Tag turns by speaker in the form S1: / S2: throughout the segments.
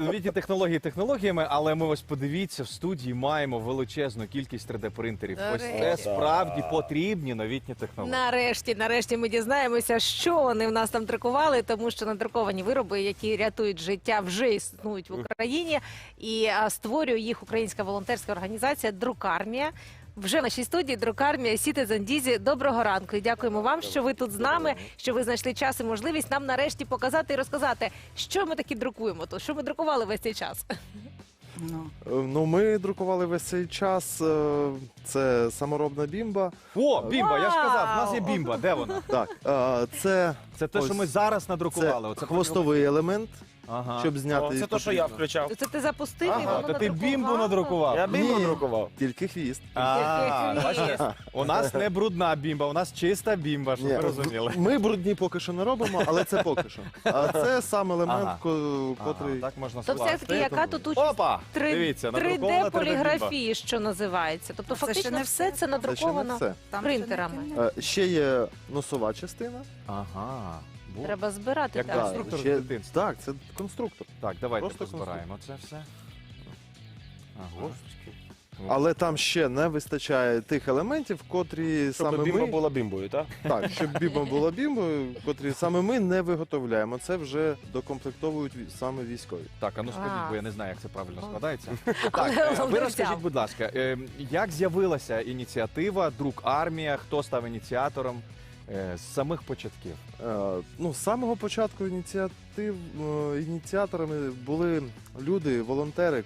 S1: новітні технології технологіями, але ми ось подивіться, в студії маємо величезну кількість 3D-принтерів. Ось це
S2: Нарешті.
S1: справді потрібні новітні технології.
S2: Нарешті ми дізнаємося, що вони в нас там друкували, тому що надруковані вироби, які рятують життя, вже існують в Україні. І створює їх українська волонтерська організація «Друкармія». Вже в нашій студії «Друкармія» Citizen Дізі. Доброго ранку і дякуємо вам, що ви тут з нами, що ви знайшли час і можливість нам нарешті показати і розказати, що ми таки друкуємо тут, що ми друкували весь цей час.
S3: Ну, ми друкували весь цей час. Це саморобна бімба.
S1: О, бімба, я ж казав, в нас є
S2: Вау!
S1: бімба. Де вона?
S3: Так, це
S1: Це те, що ми зараз надрукували.
S3: це
S1: Оце
S3: хвостовий елемент,
S1: Ага.
S3: щоб зняти.
S4: Це те, що я включав.
S2: Це ти запустив і
S1: Ага,
S2: воно
S1: то ти
S2: надрукувало?
S1: бімбу надрукував.
S4: Я бімбу
S3: Ні.
S4: друкував.
S3: Тільки хвіст.
S1: Бачите? У нас не брудна бімба, у нас чиста бімба, щоб
S3: Ні,
S1: ви розуміли.
S3: Ми брудні поки що не робимо, але це поки що. А це сам елемент,
S1: Ага.
S3: котрий...
S1: Так можна
S2: То все ж таки, яка тут участь
S1: Опа! Дивіться, надрукована 3D-бімба.
S2: 3D-поліграфії, що називається. Тобто
S5: Це ще
S2: фактично
S5: не
S2: все це
S5: все.
S3: Це ще не
S2: надруковано
S3: все.
S2: принтерами.
S3: Ще є носова частина.
S1: Ага. Бу.
S2: Треба збирати
S1: Як
S2: так.
S1: так. Конструктор з дитинства.
S3: Так, це конструктор.
S1: Так, давайте
S3: Просто
S1: позбираємо це все. Ага.
S3: Але там ще не вистачає тих елементів, котрі
S4: Щоб
S3: саме
S4: бімба
S3: ми...
S4: була бімбою, так?
S3: Так, щоб бімба була бімбою, котрі саме ми не виготовляємо. Це вже докомплектовують саме військові.
S1: Так, а ну скажіть,
S2: А.
S1: бо я не знаю, як це правильно
S2: Ну.
S1: складається.
S2: Але
S1: Так, ви
S2: головне
S1: розкажіть,
S2: взяв.
S1: будь ласка, як з'явилася ініціатива «Друкармія», хто став ініціатором з самих початків?
S3: Ну, з самого початку ініціаторами були люди, волонтери,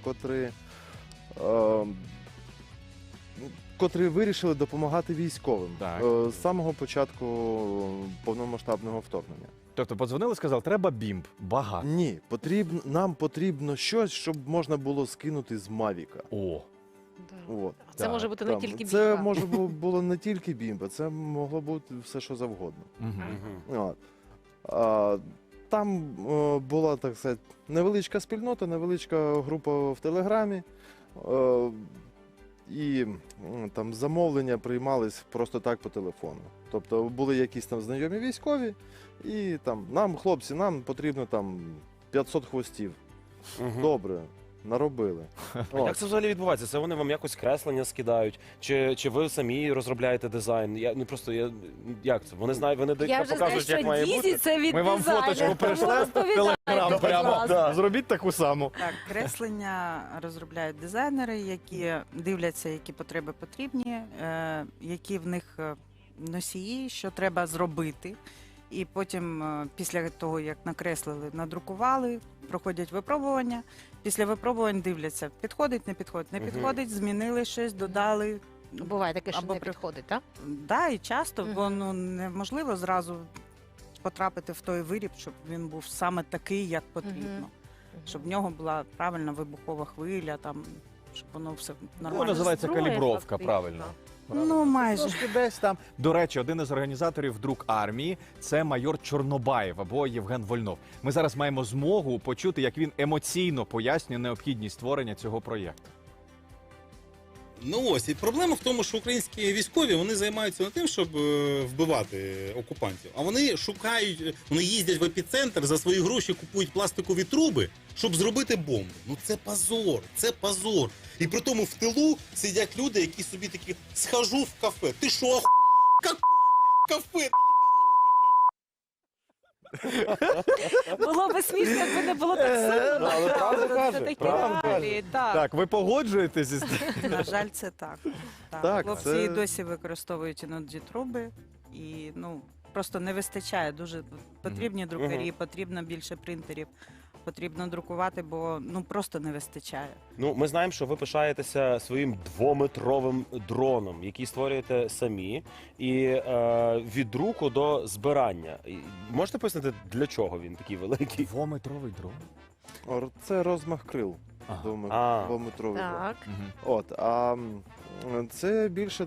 S3: котрі вирішили допомагати військовим
S1: Так.
S3: з самого початку повномасштабного вторгнення.
S1: Тобто подзвонили, сказали, треба бімб, багато.
S3: Ні, нам потрібно щось, щоб можна було скинути з Мавіка.
S1: О,
S3: От.
S2: Це
S1: Так,
S2: може бути не
S3: Там,
S2: тільки
S3: це
S2: бімба.
S3: може було не тільки бімба, це могло бути все, що завгодно. От. Там була, так сказати, невеличка спільнота, невеличка група в Телеграмі. І там замовлення приймались просто так по телефону. Тобто були якісь там знайомі військові, і там нам, хлопці, нам потрібно там 500 хвостів. Добре, наробили.
S4: А як це взагалі відбувається? Це вони вам якось креслення скидають? Чи ви самі розробляєте дизайн? Як це? Вони знають, вони
S2: Я вже знаю,
S4: показують,
S2: що
S4: як має
S2: Дізі
S4: бути?
S2: це від
S1: ми вам
S2: дизайнера,
S1: фоточку
S2: тому
S1: перейшли в
S2: розповідайте,
S1: Телеграм
S2: будь
S1: прямо.
S2: ласка.
S1: Зробіть таку саму.
S5: Так, креслення розробляють дизайнери, які дивляться, які потреби потрібні, які в них носії, що треба зробити. І потім, після того, як накреслили, надрукували, проходять випробування. Після випробувань дивляться, підходить, не підходить, не
S4: Мгм.
S5: підходить, змінили щось, додали.
S2: Буває таке, що
S5: Або
S2: не підходить, так?
S5: Да, і часто,
S2: Мгм.
S5: бо неможливо зразу потрапити в той виріб, щоб він був саме такий, як потрібно. Щоб в нього була правильна вибухова хвиля, там, щоб воно все нормально.
S1: Ну, називається
S2: Зброя,
S1: калібровка,
S2: фактично.
S1: правильно.
S5: Ну, майже.
S1: Трошки десь там. До речі, один із організаторів «Друкармії» – це майор Чорнобаєв або Євген Вольнов. Ми зараз маємо змогу почути, як він емоційно пояснює необхідність створення цього проєкту.
S6: Ну ось, і проблема в тому, що українські військові вони займаються не тим, щоб вбивати окупантів, а вони шукають, вони їздять в епіцентр, за свої гроші купують пластикові труби, щоб зробити бомбу. Ну це позор, це позор. І при тому в тилу сидять люди, які собі такі, схожу в кафе. Ти що, какое, блядь, кафе?
S2: Було би смішно, якби не було так сумно.
S4: Але правду
S2: Це
S4: каже,
S2: такі
S4: правду
S2: реалії, так.
S1: Так, ви погоджуєтесь із
S5: На жаль, це так.
S3: Так,
S5: Хлопці
S3: це-
S5: і досі використовують іноді труби, і просто не вистачає. Дуже потрібні друкарі, потрібно більше принтерів, потрібно друкувати, бо просто не вистачає.
S4: Ну, ми знаємо, що ви пишаєтеся своїм 2-метровим дроном, який створюєте самі, і від друку до збирання. Можете пояснити, для чого він такий великий?
S1: Двометровий дрон.
S3: Це розмах крил.
S1: Ага.
S3: Двометровий.
S2: Так.
S1: Мгм.
S3: От, це більше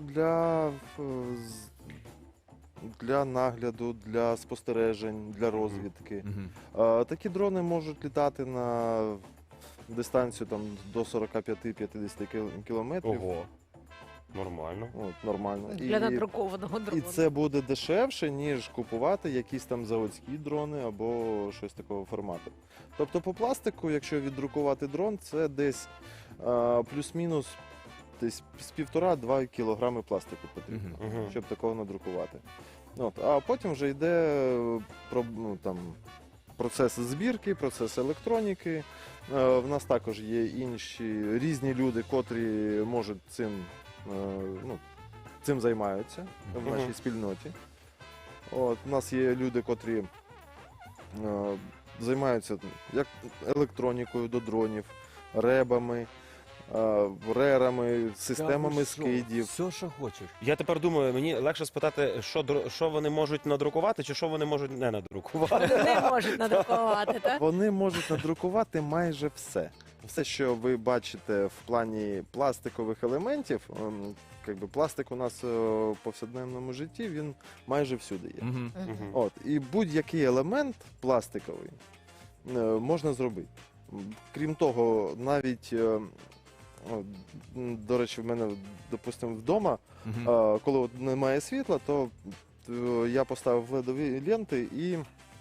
S3: для нагляду, для спостережень, для розвідки.
S1: Мгм.
S3: Такі дрони можуть літати на дистанцію там, до 45-50 кілометрів.
S4: Ого. Нормально.
S3: От, нормально.
S2: Для надрукованого
S3: І
S2: дрону.
S3: це буде дешевше, ніж купувати якісь там заводські дрони або щось такого формату. Тобто по пластику, якщо віддрукувати дрон, це десь плюс-мінус десь з 1,5-2 кілограми пластику потрібно,
S4: Мгм.
S3: щоб такого надрукувати. От, а потім вже йде процес збірки, процес електроніки. В нас також є інші різні люди, котрі можуть цим займаються в
S4: Мгм.
S3: нашій спільноті. От, у нас є люди, котрі займаються як електронікою до дронів, ребами, рерами, системами скидів.
S1: Все, що хочеш.
S4: Я тепер думаю, мені легше спитати, що вони можуть надрукувати, чи що вони можуть не надрукувати.
S2: Не можуть надрукувати, так?
S3: Вони можуть надрукувати майже все. Все, що ви бачите в плані пластикових елементів, пластик у нас в повсякденному житті, він майже всюди є.
S1: Мгм.
S4: Мгм.
S3: От, і будь-який елемент пластиковий можна зробити. Крім того, навіть, до речі, в мене, допустимо, вдома,
S1: Мгм.
S3: коли от немає світла, то я поставив ледові ленти і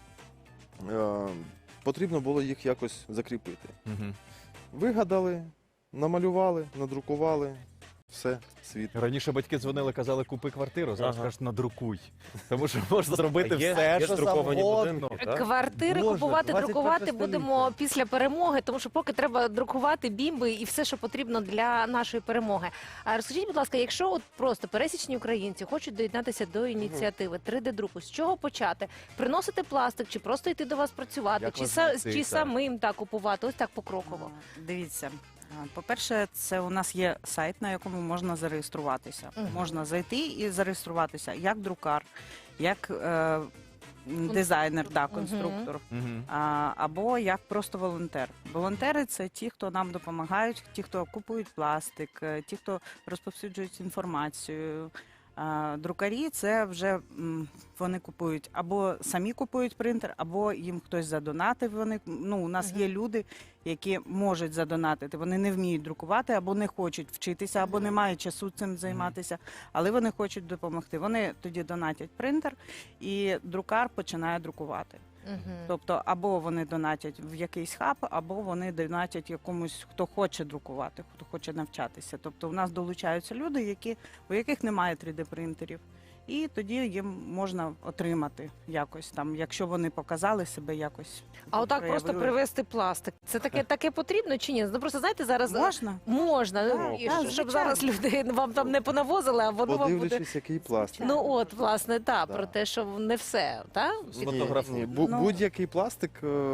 S3: потрібно було їх якось закріпити.
S1: Мгм.
S3: Вигадали, намалювали, надрукували, все, світ.
S1: Раніше батьки дзвонили, казали, купи квартиру, зараз
S4: Ага.
S1: кажуть, надрукуй. Тому що можна зробити
S4: Є-
S1: все,
S4: є
S1: що
S4: друковані
S1: завгодно.
S4: будинки, так?
S2: Квартири
S1: Боже,
S2: купувати,
S1: 21
S2: друкувати
S1: століття.
S2: будемо після перемоги, тому що поки треба друкувати бімби і все, що потрібно для нашої перемоги. А розкажіть, будь ласка, якщо от просто пересічні українці хочуть доєднатися до ініціативи 3D-друку, з чого почати? Приносити пластик, чи просто йти до вас працювати,
S1: Як
S2: чи,
S1: вас знайти,
S2: чи
S1: так?
S2: самим так купувати? Ось так покроково.
S5: Дивіться. По-перше, це у нас є сайт, на якому можна зареєструватися.
S2: Мгм.
S5: Можна зайти і зареєструватися як друкар, як дизайнер, конструктор.
S1: Мгм.
S5: Або як просто волонтер. Волонтери це ті, хто нам допомагають, ті, хто купують пластик, ті, хто розповсюджують інформацію. Друкарі це вже вони купують або самі купують принтер, або їм хтось задонатив. У нас є люди, які можуть задонатити. Вони не вміють друкувати, або не хочуть вчитися, або не мають часу цим займатися, але вони хочуть допомогти. Вони тоді донатять принтер, і друкар починає друкувати.
S2: Мгм.
S5: Тобто, або вони донатять в якийсь хаб, або вони донатять якомусь, хто хоче друкувати, хто хоче навчатися. Тобто, у нас долучаються люди, у яких немає 3D-принтерів. І тоді їм можна отримати якось там, якщо вони показали себе якось.
S2: А отак просто
S5: проявили.
S2: привезти пластик. Це таке потрібно чи ні? Ну просто знаєте, зараз
S5: Можна?
S2: можна,
S5: Так,
S2: і
S5: так,
S2: щоб
S5: звичайно.
S2: зараз люди вам там не понавозили, а воно вам буде.
S3: Подивлячись, який пластик.
S2: Ну от, власне,
S3: Да.
S2: про те, що не все, так?
S1: Сфотографуй.
S5: Ну.
S3: Будь-який пластик.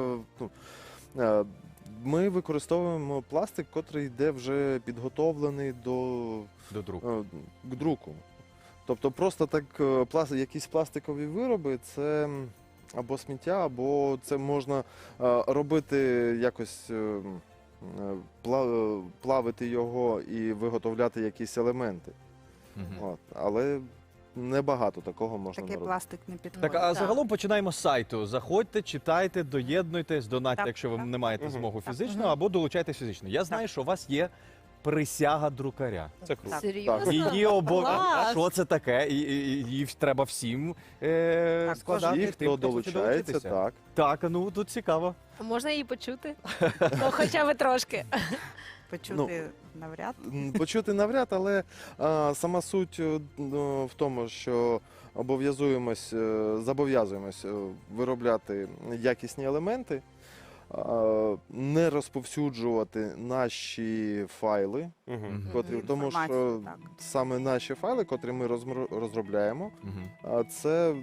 S3: Ми використовуємо пластик, котрий йде вже підготовлений
S1: До друку.
S3: к друку. Тобто просто так якісь пластикові вироби це або сміття, або це можна робити якось плавити його і виготовляти якісь елементи.
S1: Мгм.
S3: От. Але небагато такого можна
S5: Такий
S3: наробити.
S5: пластик не підходить.
S1: Так, а
S2: Так.
S1: загалом починаємо з сайту. Заходьте, читайте, доєднуйтесь, донатьте,
S5: Так,
S1: якщо ви
S5: так.
S1: не маєте
S4: Мгм.
S1: змогу
S4: Так.
S1: фізично,
S2: Мгм.
S1: або долучайтесь фізично. Я знаю, що у вас є присяга друкаря.
S4: Це круто.
S5: Так.
S2: Серйозно?
S1: Її
S2: Клас!
S1: Що це таке? І її треба всім складати.
S3: Ті,
S1: тим,
S3: хто
S1: хоче
S3: долучається,
S1: долучитися.
S3: так.
S1: Так, ну тут цікаво.
S2: Можна її почути? Ну, хоча б трошки.
S5: Почути навряд.
S3: Почути навряд, але сама суть в тому, що зобов'язуємось виробляти якісні елементи, не розповсюджувати наші файли,
S4: Мгм.
S3: котрі, тому що
S5: Інформацію, так.
S3: саме наші файли, котрі ми розробляємо, це,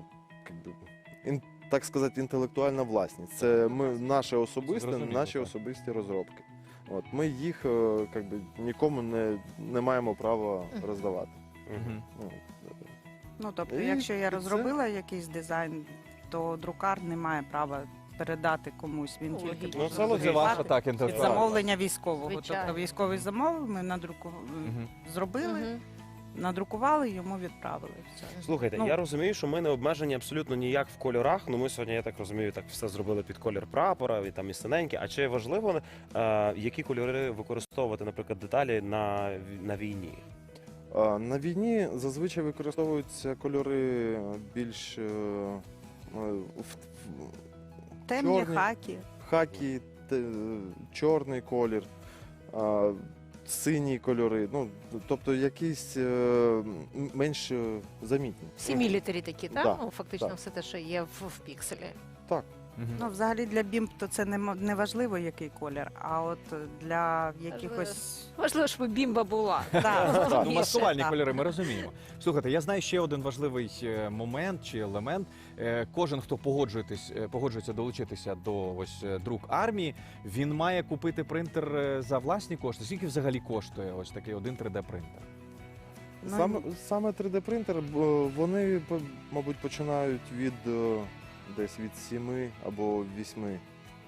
S3: так сказати, інтелектуальна власність. Це наше особисте,
S1: Зрозуміло,
S3: наші
S1: так.
S3: особисті розробки. От, ми їх нікому не маємо права роздавати.
S4: Мгм.
S3: Ну,
S5: Тобто,
S3: І
S5: якщо я
S3: це-
S5: розробила якийсь дизайн, то друкар не має права передати комусь. Він тільки
S2: Логічно.
S1: Ну,
S5: може
S1: це ваша
S5: друкувати
S1: так
S5: під
S1: інтелектуальна.
S5: замовлення військового.
S2: Звичайно.
S5: Тобто військовий замовив, ми
S1: Мгм.
S5: зробили,
S2: Мгм.
S5: надрукували, йому відправили. Все.
S4: Слухайте,
S5: Ну.
S4: я розумію, що ми не обмежені абсолютно ніяк в кольорах. Ну ми сьогодні, я так розумію, так все зробили під колір прапора, і там і синеньке. А чи важливо, які кольори використовувати, наприклад, деталі на війні?
S3: На війні зазвичай використовуються кольори більш
S5: Темні
S3: чорні.
S5: хакі.
S3: хакі, чорний колір, сині кольори, ну, тобто якісь менш замітні.
S2: Всі мілітарі такі, так?
S3: Да,
S2: Ну, фактично
S3: так.
S2: все те, що є в пікселі.
S3: Так.
S5: Ну, взагалі для бімб то це не важливо, який колір, а от для якихось...
S2: Важливо, щоб бімба була.
S5: Да,
S1: Ну,
S5: більше,
S1: маскувальні
S5: так.
S1: кольори, ми розуміємо. Слухайте, я знаю ще один важливий момент чи елемент. Кожен, хто погоджується долучитися до друк армії, він має купити принтер за власні кошти. Скільки взагалі коштує ось такий один 3D-принтер?
S5: Ну,
S3: Саме 3D-принтер, вони, мабуть, починають десь від 7 або 8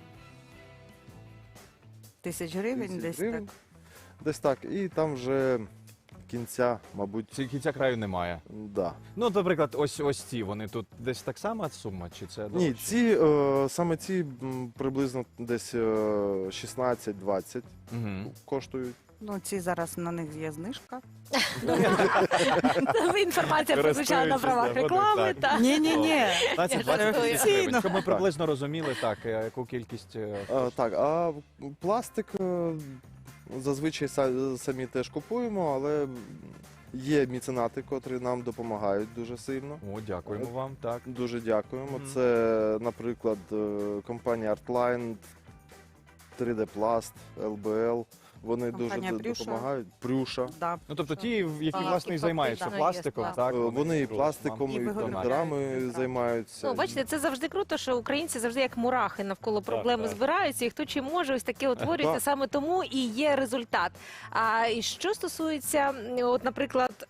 S5: тисяч гривень
S3: тисяч
S5: десь
S3: гривень.
S5: так.
S3: Десь так. І там вже кінця, мабуть,
S1: Кінця краю немає.
S3: да.
S1: Ну, наприклад, ось ці, вони тут десь так само сума, чи це
S3: Ні,
S1: дорожче?
S3: саме ці приблизно десь 16-20
S1: Мгм.
S3: коштують.
S5: Ну, ці зараз на них є знижка.
S2: Інформація прозвучала на правах
S1: Користуючись
S2: реклами.
S1: нагодою,
S2: так.
S5: Ні.
S1: 15-20
S2: жартую.
S1: тисяч гривень, щоб ми приблизно розуміли, так, яку кількість...
S3: Так, а пластик зазвичай самі теж купуємо, але є меценати, котрі нам допомагають дуже сильно.
S1: О, дякуємо вам, так.
S3: Дуже дякуємо.
S1: Мгм.
S3: Це, наприклад, компанія Artline, 3D Plast, LBL. Вони
S5: Компанія
S3: дуже
S5: Прюша.
S3: допомагають. Прюша.
S5: Да.
S1: Ну, тобто ті, які,
S2: Ага,
S1: власне, і
S2: і
S1: займаються
S2: фактично є
S1: пластиком,
S2: пластик.
S1: так?
S3: Вони і
S1: можуть
S3: пластиком,
S1: вам
S3: і
S5: виготовляють
S3: контрами
S5: прекрасно.
S3: займаються.
S2: Ну, бачите, це завжди круто, що українці завжди як мурахи навколо проблеми
S4: так.
S2: збираються, і хто чим може, ось таке утворюється,
S3: Так.
S2: саме тому і є результат. А і що стосується, от, наприклад,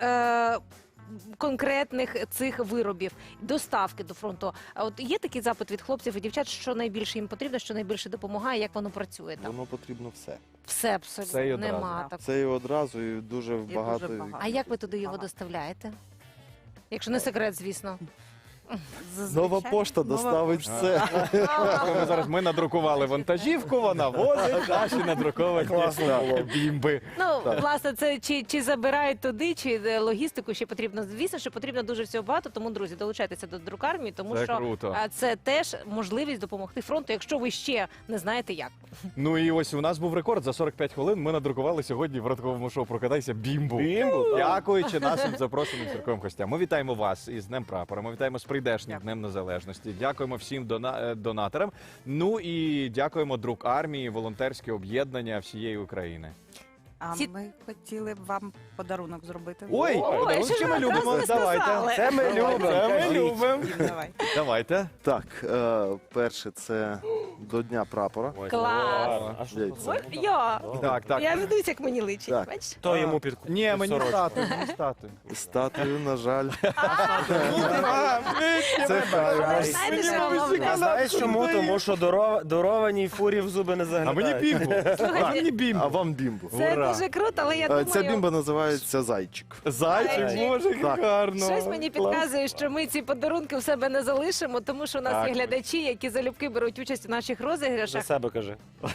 S2: конкретних цих виробів, доставки до фронту. А от є такий запит від хлопців і дівчат, що найбільше їм потрібно, що найбільше допомагає, як воно працює там?
S3: Воно потрібно все.
S2: Все абсолютно
S1: Все і одразу.
S2: нема так.
S3: Це і одразу, і дуже багато.
S5: багато.
S2: А як ви туди його
S5: Ага.
S2: доставляєте? Якщо не секрет, звісно.
S5: Зазвичай
S3: Нова пошта
S5: нова
S3: доставить
S5: пошта.
S3: все.
S1: Ми надрукували вантажівку, вона возить наші надруковані бімби.
S2: Ну, власне, це чи забирають туди, чи логістику ще потрібно. Звісно, що потрібно дуже всього багато, тому, друзі, долучайтеся до друкармії, тому
S1: Це
S2: що
S1: круто.
S2: це теж можливість допомогти фронту, якщо ви ще не знаєте як.
S1: Ну і ось у нас був рекорд. За 45 хвилин ми надрукували сьогодні в ранковому шоу «Прокидайся» бімбу.
S4: Бімбу, так.
S1: Дякуючи нашим запрошеним церковим гостям. Ми вітаємо вас із Днем Прапора. Ми вітаємо з прийдешнім
S5: Дякую.
S1: Днем Незалежності. Дякуємо всім донаторам. Ну і дякуємо друк армії, волонтерське об'єднання всієї України.
S5: А
S2: Ці-
S5: ми хотіли б вам подарунок зробити.
S1: Ой,
S2: Ой, що ж
S1: ми
S2: ви
S1: любимо.
S2: одразу не
S1: Давайте.
S2: сказали?
S1: Це ми любимо. Це ми любимо.
S5: Дім, давай.
S1: Давайте.
S3: Так, перше це до Дня прапора.
S4: Ой,
S2: Клас.
S4: а що
S3: Яйця.
S4: це?
S2: Ой, я.
S1: Так, так.
S2: Я ведусь, як мені личить.
S3: Так.
S2: Бачиш?
S4: Хто йому під
S1: Ні, мені
S4: сорочку?
S1: стати, мені стати.
S3: Статую, на жаль. Це
S2: Але
S3: хай.
S2: знаєте, що головне?
S4: А знаєш чому? Тому що дарованій фурі в зуби не
S1: А
S4: заглядають.
S1: мені бімбу. А мені бімбу.
S3: А вам бімбу.
S2: Це
S1: Ура.
S2: дуже круто, але я
S3: Ця
S2: думаю,
S3: бімба називається Зайчик.
S1: Зайчик, боже, як
S3: Так.
S1: гарно.
S2: щось мені
S1: Клас.
S2: підказує, що ми ці подарунки в себе не залишимо, тому що у нас
S1: Так.
S2: є глядачі, які залюбки беруть участь у наших
S4: За
S2: розіграшах.
S4: себе кажи.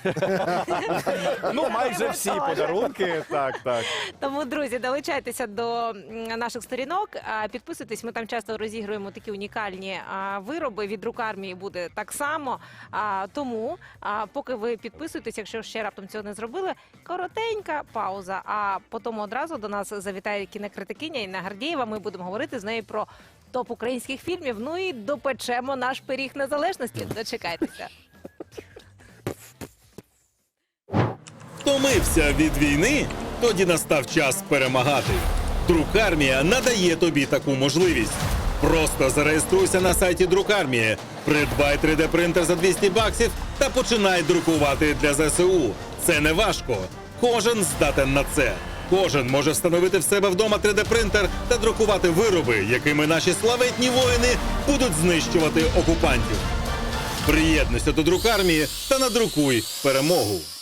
S1: Ну, майже всі подарунки. Так, так.
S2: Тому, друзі, долучайтеся до наших сторінок, підписуйтесь. Ми там часто розігруємо такі унікальні вироби. Від друкармії буде так само. Тому, поки ви підписуєтесь, якщо ще раптом цього не зробили, коротенька пауза. А потім одразу до нас завітає кінокритикиня Інна Гордієва. Ми будемо говорити з нею про топ українських фільмів. Ну і допечемо наш пиріг незалежності. Дочекайтеся.
S6: Втомився від війни? Тоді настав час перемагати. Друкармія надає тобі таку можливість. Просто зареєструйся на сайті Друкармії, придбай 3D-принтер за $200 та починай друкувати для ЗСУ. Це не важко. Кожен здатен на це. Кожен може встановити в себе вдома 3D-принтер та друкувати вироби, якими наші славетні воїни будуть знищувати окупантів. Приєднуйся до Друкармії та надрукуй перемогу.